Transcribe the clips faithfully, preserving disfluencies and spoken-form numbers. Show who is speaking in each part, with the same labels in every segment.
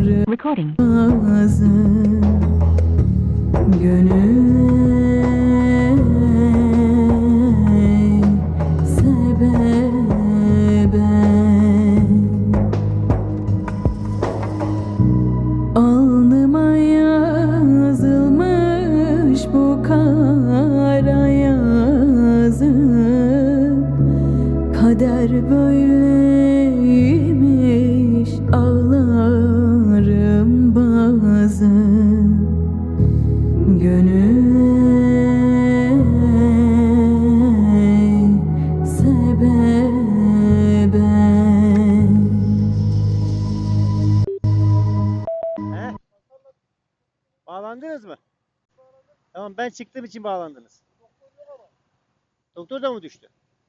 Speaker 1: Recording.
Speaker 2: Gönül sebebe alnıma yazılmış bu kara yazı, kader böyleymiş, ağlarım bazen. Gönül sebebe.
Speaker 3: He? Bağlandınız mı? Tamam, ben çıktığım için bağlandınız. Doktor da mı düştü?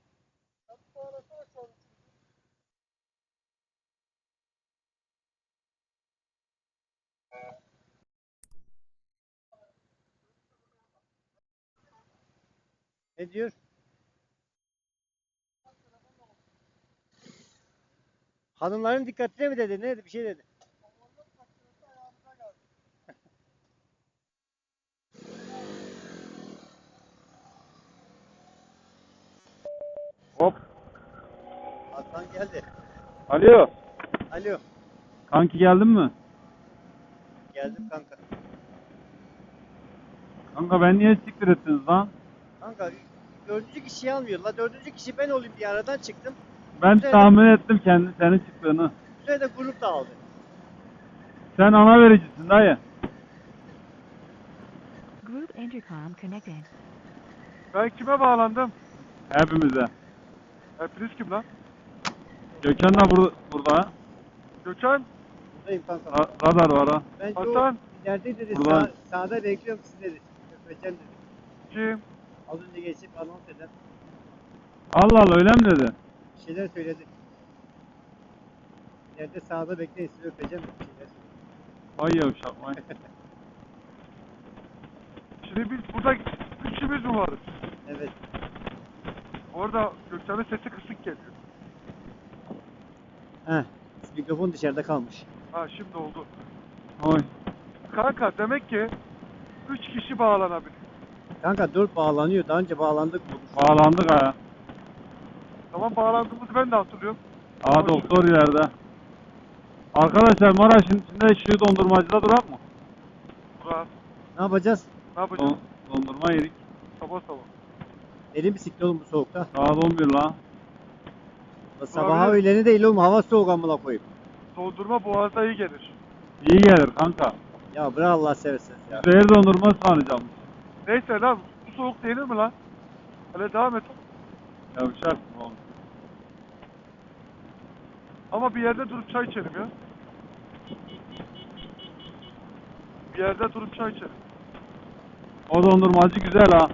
Speaker 3: Ne diyor? Hanımların dikkatine mi dedi? Ne dedi? Bir şey dedi.
Speaker 4: Hop.
Speaker 3: Aslan geldi.
Speaker 4: Alo.
Speaker 3: Alo.
Speaker 4: Kanki geldin mi?
Speaker 3: Geldim kanka.
Speaker 4: Kanka ben niye siktir ettiniz lan?
Speaker 3: Kanka dördüncü kişiyi almıyor. La dördüncü kişi ben olayım diye aradan çıktım.
Speaker 4: Ben
Speaker 3: Üzerine-
Speaker 4: tahmin ettim kendi senin çıktığını.
Speaker 3: Üzerine de grup da aldı.
Speaker 4: Sen ana vericisin dayı.
Speaker 1: Group intercom connected.
Speaker 5: Ben kime bağlandım?
Speaker 4: Hepimize.
Speaker 5: Hepiniz kim lan?
Speaker 4: Gökhan da burada. burada.
Speaker 5: Gökhan,
Speaker 3: Buradayım kanka.
Speaker 4: Ra- radar var ha.
Speaker 3: Ben
Speaker 5: Hasan,
Speaker 3: o ileride dedi.
Speaker 4: Buradan.
Speaker 3: Sağ, sağda bekliyorum sizi dedi. Öpeceğim dedi.
Speaker 5: kim?
Speaker 3: Az önce geçip anons eden
Speaker 4: Allah Allah, öyle mi dedi?
Speaker 3: bir şeyler söyledi. İleride sağda bekleyin sizi öpeceğim dedi. Bir şeyler söyledi.
Speaker 4: Ay yavşak vay.
Speaker 5: Şimdi biz burada üçümüz mü varız?
Speaker 3: Evet.
Speaker 5: Orada Gökhan'ın sesi kısık geliyor.
Speaker 3: Heh. Mikrofon dışarıda kalmış.
Speaker 5: Ha şimdi oldu.
Speaker 4: Oy.
Speaker 5: Kanka demek ki üç kişi bağlanabilir.
Speaker 3: Kanka dört bağlanıyor. Daha önce bağlandık mı?
Speaker 4: Bağlandık ha.
Speaker 5: Tamam, bağlandığımızı ben de hatırlıyorum.
Speaker 4: Aa, doktor ileride. Arkadaşlar Maraş'ın içinde şu dondurmacıda durak mı?
Speaker 5: Burak,
Speaker 3: Ne yapacağız?
Speaker 5: ne yapacağız?
Speaker 4: Don dondurma yedik.
Speaker 5: Sabah sabah.
Speaker 3: Elim bisiklet oğlum bu soğukta.
Speaker 4: Saat on bir la.
Speaker 3: La sabaha
Speaker 5: Abi.
Speaker 3: öğleni değil oğlum. Hava soğuk amına koyayım.
Speaker 5: Dondurma boğazda iyi gelir.
Speaker 4: İyi gelir kanka.
Speaker 3: Ya bırak Allah seversen ya.
Speaker 4: Zehir dondurma sanacağım.
Speaker 5: Neyse lan, bu soğuk denir mi lan? Hele devam et.
Speaker 4: Yavşak oğlum.
Speaker 5: Ama bir yerde durup çay içelim ya. Bir yerde durup çay içelim.
Speaker 4: O dondurmacı güzel ha.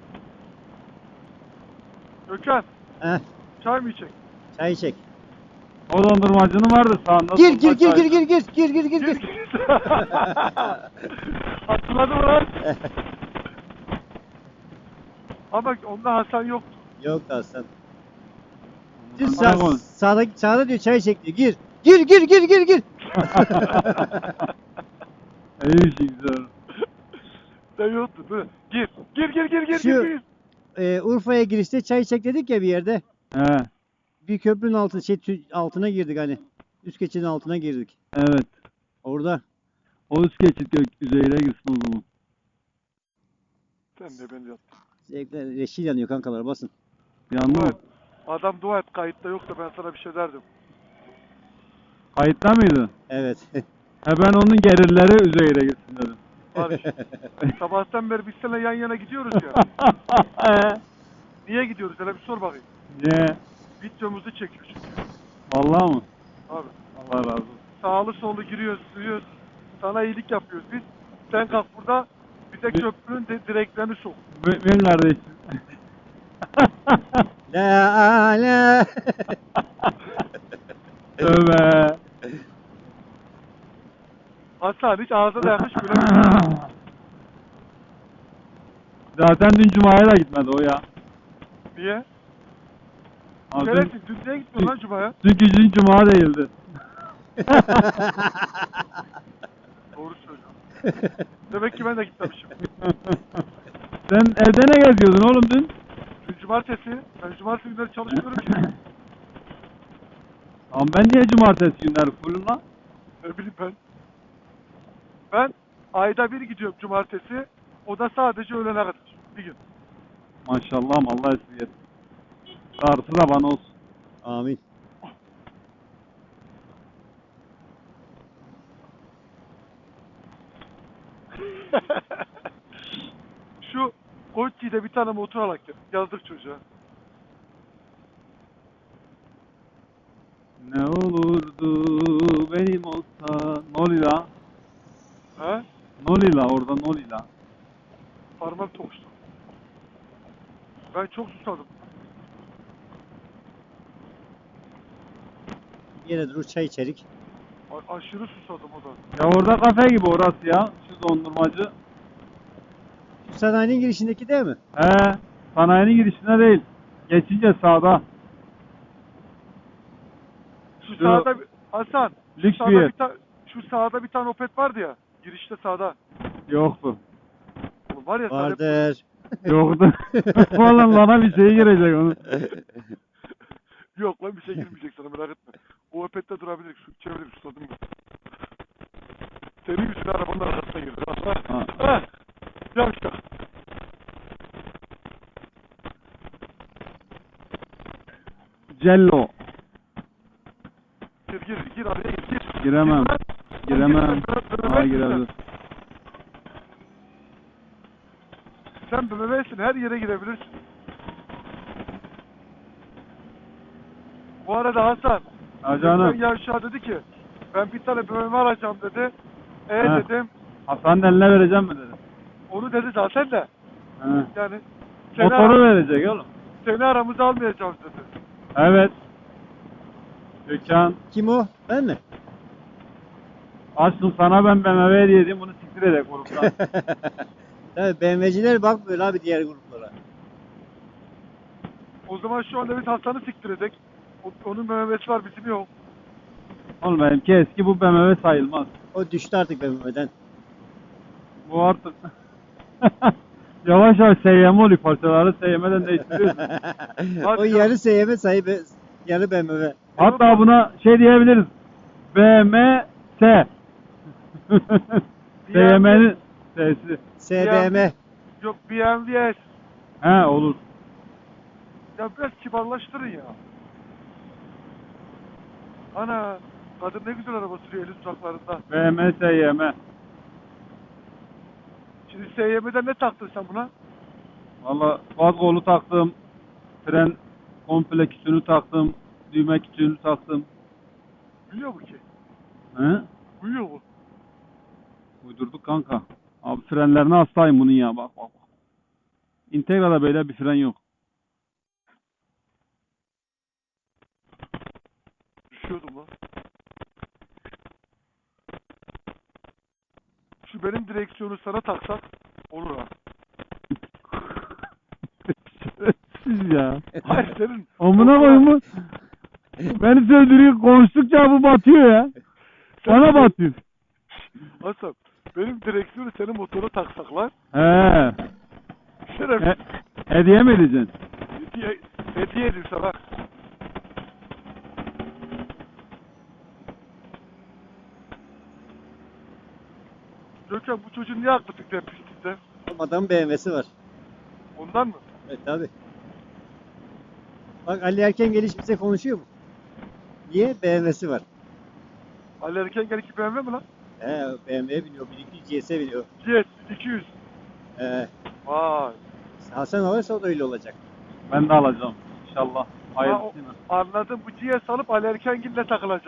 Speaker 5: Gökhan,
Speaker 3: Heh.
Speaker 5: çay mı içecek?
Speaker 3: Çay çek.
Speaker 4: O dondurmacının vardı sağında.
Speaker 3: Gir gir
Speaker 4: solda
Speaker 3: gir
Speaker 4: çay.
Speaker 3: gir gir gir gir gir gir gir.
Speaker 5: Hatırladım lan. Ama onda Hasan yoktu.
Speaker 3: Yok da sen. Düz
Speaker 4: Bana
Speaker 3: sağ,
Speaker 4: konuş.
Speaker 3: sağda, sağda diyor çay çek diyor. Gir. Gir gir gir gir gir.
Speaker 4: İyi şey güzel.
Speaker 5: Sen yoktu değil mi? Gir. Gir gir gir gir
Speaker 3: Şu-
Speaker 5: gir. gir.
Speaker 3: Ee, Urfa'ya girişte çay çek dedik ya bir yerde.
Speaker 4: He,
Speaker 3: Bir köprünün altı, şey, tü- altına girdik hani. Üst geçidin altına girdik.
Speaker 4: evet.
Speaker 3: Orada.
Speaker 4: O üst geçit gök üzerine girsin o zaman.
Speaker 5: Sen de ben yattım.
Speaker 3: Zevkler reşil yanıyor kankalar basın.
Speaker 4: Yandı
Speaker 5: Dua
Speaker 4: mı?
Speaker 5: et. Adam dua et, kayıtta yoksa ben sana bir şey derdim.
Speaker 4: Kayıtta mıydı?
Speaker 3: Evet.
Speaker 4: He, ben onun gerilleri üzerine girsin dedim.
Speaker 5: Barış. Sabahtan beri biz seninle yan yana gidiyoruz ya. Niye gidiyoruz? Hele bir sor bakayım.
Speaker 4: Ne?
Speaker 5: Videomuzu çekiyor çünkü.
Speaker 4: Vallahi mı?
Speaker 5: Abi.
Speaker 4: Allah razı olsun.
Speaker 5: Sağlı sollu giriyoruz, sürüyoruz. Sana iyilik yapıyoruz biz. Sen kalk burada bir de köprünün de direklerini sok.
Speaker 4: Mümin kardeşim.
Speaker 3: La la.
Speaker 4: Tövbe.
Speaker 5: Hasan hiç ağzına yakış gülemedim.
Speaker 4: Zaten dün Cuma'ya da gitmedi o ya.
Speaker 5: Niye?
Speaker 4: Abi, dün,
Speaker 5: Şerefsiz, dün niye gitmiyorsun lan Cuma'ya?
Speaker 4: çünkü dün Cuma değildi.
Speaker 5: Demek ki ben de gitmemişim.
Speaker 4: Sen evde ne geziyordun oğlum dün?
Speaker 5: Dün cumartesi. Ben cumartesi günleri çalışmıyorum ki.
Speaker 4: Ama ben niye cumartesi günleri fullüm lan?
Speaker 5: Ne bileyim ben. Ben ayda bir gidiyorum cumartesi. O da sadece öğlene kadar. Bir gün.
Speaker 4: Maşallah Allah esirgesin. Darısı da bana olsun.
Speaker 3: Amin.
Speaker 5: Şu Koçyi'de bir tane motor alak ya. Yazdık çocuğa.
Speaker 4: Ne olurdu benim olsa. Nolila.
Speaker 5: He?
Speaker 4: Nolila orada Nolila.
Speaker 5: Parmak tokuştu. Ben çok susadım.
Speaker 3: Yine durur çay içerik.
Speaker 5: A- aşırı susadım o da.
Speaker 4: Ya orada kafe gibi orası ya. Şu dondurmacı.
Speaker 3: Şu sanayinin girişindeki değil mi?
Speaker 4: He. Sanayinin girişine değil. Geçince sağda.
Speaker 5: Şu,
Speaker 4: Şu
Speaker 5: sağda bir- Hasan. Şu
Speaker 4: lüks bir
Speaker 5: sağda
Speaker 4: yer.
Speaker 5: bir, ta- şu sağda bir tane Opet vardı ya. Girişte sağda.
Speaker 4: Yoktu.
Speaker 5: Oğlum var ya sağda-
Speaker 3: Vardır.
Speaker 4: Yoktu. Vallahi bana bir şey girecek onu.
Speaker 5: Yok lan bir şey girmeyecek sana merak etme. O Opet'te durabilir. Şu çevirip susadım ben. Senin yüzüne arabanın arkasına girdi.
Speaker 4: Ha.
Speaker 5: Ha. Yavşak.
Speaker 4: Cello.
Speaker 5: Gir gir gir araya gir. gir.
Speaker 4: Giremem.
Speaker 5: Gir lan.
Speaker 4: Giremem.
Speaker 5: Gir, gir, gir,
Speaker 4: Ha
Speaker 5: gir, gir.
Speaker 4: girebilir.
Speaker 5: Sen B M W'sin her yere girebilirsin. Bu arada Hasan.
Speaker 4: Ha canım.
Speaker 5: geçen Yavşak dedi ki ben bir tane B M W alacağım dedi. E
Speaker 4: Ha.
Speaker 5: dedim.
Speaker 4: Hasan'ın eline vereceğim mi dedi.
Speaker 5: Onu dedi zaten de.
Speaker 4: He.
Speaker 5: Yani seni,
Speaker 4: Motoru
Speaker 5: ara-
Speaker 4: verecek oğlum.
Speaker 5: seni aramıza almayacağız dedi.
Speaker 4: Evet. Gökhan.
Speaker 3: Kim o? Ben mi?
Speaker 4: Açtım sana ben B M W hediye edeyim bunu siktir edek gruptan.
Speaker 3: Tabii B M W'ciler bakmıyor abi diğer gruplara.
Speaker 5: O zaman şu anda biz Hasan'ı siktir edek. O- Onun B M W'si var bizim yok.
Speaker 4: Oğlum benimki eski bu B M W sayılmaz.
Speaker 3: O düştü artık B M W'den.
Speaker 4: Bu artık yavaş yavaş S Y M oluyor parçaları S Y M'den değiştiriyorsun.
Speaker 3: O
Speaker 5: Hadi
Speaker 3: yarı S Y M sahibi, yarı B M W.
Speaker 4: Hatta buna şey diyebiliriz. B M S. S Y M'nin S'si.
Speaker 3: S B M.
Speaker 5: Yok B M W S.
Speaker 4: He olur.
Speaker 5: Ya biraz kibarlaştırın ya. Ana kadın ne güzel araba sürüyor elin uzaklarında.
Speaker 4: B M S Y M.
Speaker 5: Şimdi S Y M'den ne taktın sen buna?
Speaker 4: Valla gaz kolu taktım. Fren komple kütüğünü taktım. Düğme kütüğünü taktım.
Speaker 5: Biliyor mu ki?
Speaker 4: He?
Speaker 5: Uyuyor mu?
Speaker 4: Uydurduk kanka. Abi frenlerine hastayım bunun ya bak bak. Integra'da böyle bir fren yok.
Speaker 5: Düşüyordum lan. Şu benim direksiyonu sana taksak olur ha.
Speaker 4: Siz ya.
Speaker 5: Hayır senin.
Speaker 4: Amına koyayım. Beni söndürüyor. Konuştukça bu batıyor ya. Bana batıyor.
Speaker 5: Hasan benim direksiyonu senin motora taksak lan.
Speaker 4: He.
Speaker 5: Şeref.
Speaker 4: He. Hediye mi edeceksin?
Speaker 5: Hediye, hediye edeyim sana. Gökhan bu çocuğun niye aklı fikri hep pislikte?
Speaker 3: Adamın B M W'si var.
Speaker 5: Ondan mı?
Speaker 3: Evet tabi. Bak Ali Erken geliş bize konuşuyor mu? Niye? B M W'si var.
Speaker 5: Ali Erken gel iki B M W mi lan?
Speaker 3: He B M W'ye biniyor. bin iki yüz G S biniyor.
Speaker 5: Yes iki yüz.
Speaker 3: He.
Speaker 5: Vay.
Speaker 3: Hasan alırsa o da öyle olacak.
Speaker 4: Ben de alacağım. İnşallah.
Speaker 5: Ha, o-
Speaker 4: Hayırlısıyla.
Speaker 5: anladım bu G S alıp Ali Erkengil'le takılacak.